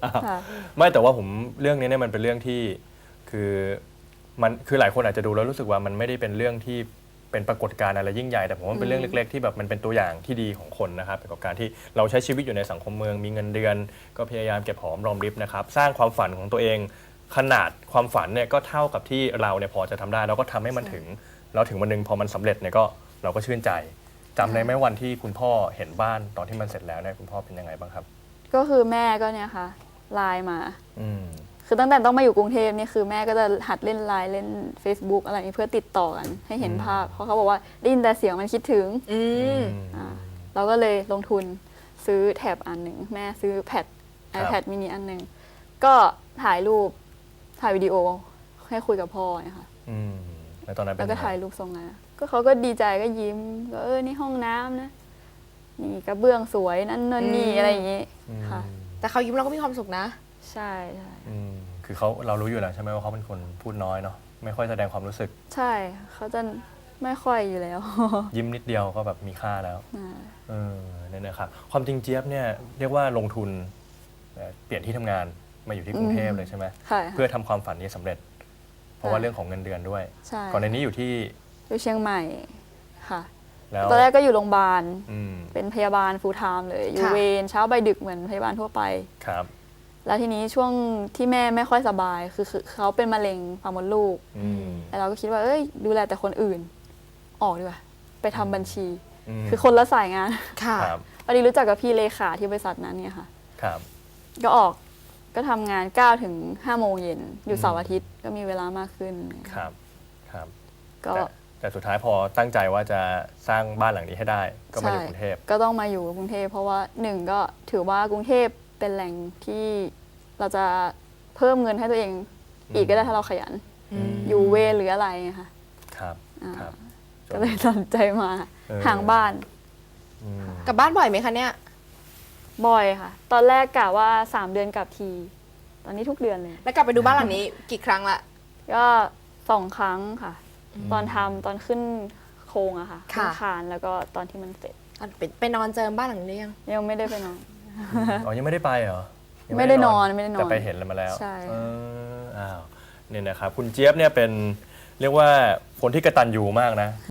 ไม่แต่ว่าผมเรื่องนี้เนี่ยมันเป็นเรื่องที่คือมันคือหลายคนอาจจะดูแล้วรู้สึกว่ามันไม่ได้เป็นเรื่องที่เป็นปรากฏการณ์อะไรยิ่งใหญ่แต่ผมว่ามันเป็นเรื่องเล็กๆที่แบบมันเป็นตัวอย่างที่ดีของคนนะครับเกี่ยวกับการที่เราใช้ชีวิตอยู่ในสังคมเมืองมีเงินเดือนก็พยายามเก็บหอมรอมริบนะครับสร้างความฝันของตัวเองขนาดความฝันเนี่ยก็เท่ากับที่เราเนี่ยพอจะทำได้เราก็ทำให้มันถึงแล้วถึงวันหนึ่งพอมันสำเร็จเนี่ยก็เราก็ชื่นใจจำได้ไหมวันที่คุณพ่อเห็นบ้านตอนที่มันเสร็จแล้วเนี่ยคุณพ่อเป็นยังไงบ้างครับก็คือแม่ก็เนี่ยค่ะไลน์มาอืมคือตั้งแต่ต้องมาอยู่กรุงเทพนี่คือแม่ก็จะหัดเล่นไลน์เล่น Facebook อะไรเพื่อติดต่อกันให้เห็นภาพ เพราะเขาบอกว่าได้ยินแต่เสียงมันคิดถึงเราก็เลยลงทุนซื้อแท็บอันหนึ่งแม่ซื้อแพด iPad mini อันหนึ่งก็ถ่ายรูปถ่ายวิดีโอให้คุยกับพ่อนะคะแล้วตอนนั้นแล้วก็ถ่ายรูปส่งมาก็เขาก็ดีใจก็ยิ้มก็นี่ห้องน้ำนะนี่กระเบื้องสวยนั่นนี่อะไรอย่างงี้ค่ะแต่เขายิ้มเราก็มีความสุขนะใช่คือเรารู้อยู่แล้วใช่ไหมว่าเขาเป็นคนพูดน้อยเนาะไม่ค่อยแสดงความรู้สึกใช่เขาจะไม่ค่อยอยู่แล้วยิ้มนิดเดียวก็แบบมีค่าแล้วเนี่ยนะครับความจริงเจี๊ยบเนี่ยเรียกว่าลงทุนเปลี่ยนที่ทำงานมาอยู่ที่กรุงเทพเลยใช่ไหมเพื่อทำความฝันนี้สำเร็จเพราะว่าเรื่องของเงินเดือนด้วยก่อนในนี้อยู่ที่เชียงใหม่ค่ะตอนแรกก็อยู่โรงพยาบาลเป็นพยาบาลฟูลไทม์เลยอยู่เวรเช้าไปดึกเหมือนพยาบาลทั่วไปครับแล้วทีนี้ช่วงที่แม่ไม่ค่อยสบายคือเขาเป็นมะเร็งปากมดลูกแล้วเราก็คิดว่าดูแลแต่คนอื่นออกดีกว่าไปทำบัญชีคือคนละสายงานค่ะพอดีรู้จักกับพี่เลขาที่บริษัทนั้นเนี่ยค่ะครับก็ออกก็ทำงาน9 ถึง 5 โมงเย็นอยู่เสาร์อาทิตย์ก็มีเวลามากขึ้นครับครับก็แต่สุดท้ายพอตั้งใจว่าจะสร้างบ้านหลังนี้ให้ได้ก็มาอยู่กรุงเทพก็ต้องมาอยู่กรุงเทพเพราะว่า1ก็ถือว่ากรุงเทพเป็นแหล่งที่เราจะเพิ่มเงินให้ตัวเองอีกก็ได้ถ้าเราขยันอยู่เวรหรืออะไรค่ะครับก็เลยตัดใจมาห่างบ้านกลับบ้านบ่อยไหมคะเนี่ยบ่อยค่ะตอนแรกกะว่า3 เดือนกลับทีตอนนี้ทุกเดือนเลยแล้วกลับไปดูบ้านหลังนี้กี่ครั้งละก็2 ครั้งค่ะตอนทำตอนขึ้นโครงอะค่ะขึ้นคานแล้วก็ตอนที่มันเสร็จไปนอนเจิมบ้านหลังนี้ยังไม่ได้ไปนอนยังไม่ได้ไปเหรอไม่ได้นอนแต่ไปเห็นแล้วมาแล้วใช่เนี่ยนะครับคุณเจี๊ยบเนี่ยเป็นเรียกว่าคนที่กตัญญูมากนะ